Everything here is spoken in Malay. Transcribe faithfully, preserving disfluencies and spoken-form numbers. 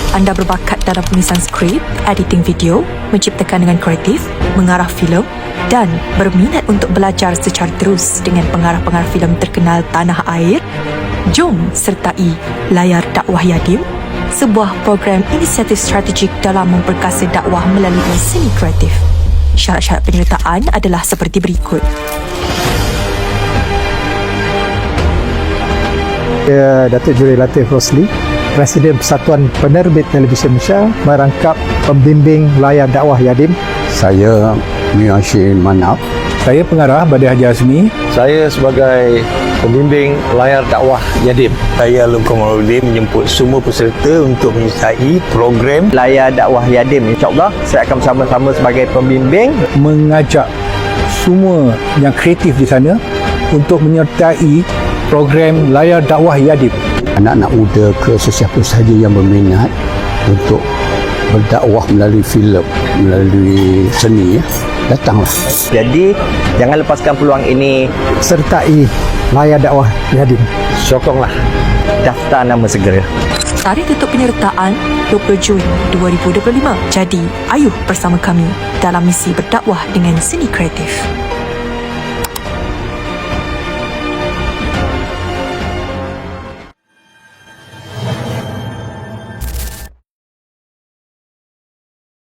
anda berbakat dalam penulisan skrip, editing video, menciptakan dengan kreatif, mengarah filem dan berminat untuk belajar secara terus dengan pengarah-pengarah filem terkenal tanah air, jom sertai Layar Dakwah Yadim, sebuah program inisiatif strategik dalam memperkasa dakwah melalui seni kreatif. Syarat-syarat penyertaan adalah seperti berikut. Saya Datuk Juri Latif Rosli, Presiden Persatuan Penerbit Televisyen Malaysia, merangkap pembimbing Layar Dakwah Yadim. Saya Miyashir Manaf. Saya pengarah Badai Haji Azmi. Saya sebagai pembimbing Layar Dakwah Yadim. Saya Alun Komarudin menjemput semua peserta untuk menyertai program Layar Dakwah Yadim. InsyaAllah saya akan bersama-sama sebagai pembimbing, Mengajak semua yang kreatif di sana untuk menyertai program Layar Dakwah Yadim. Anak-anak muda ke sesiapa sahaja yang berminat untuk berdakwah melalui filem, melalui seni, ya, datanglah. Jadi jangan lepaskan peluang ini. Sertai Layar Dakwah Yadim. Sokonglah. Daftar nama segera. Tarikh tutup penyertaan dua puluh Jun dua ribu dua puluh lima. Jadi, ayuh bersama kami dalam misi berdakwah dengan seni kreatif.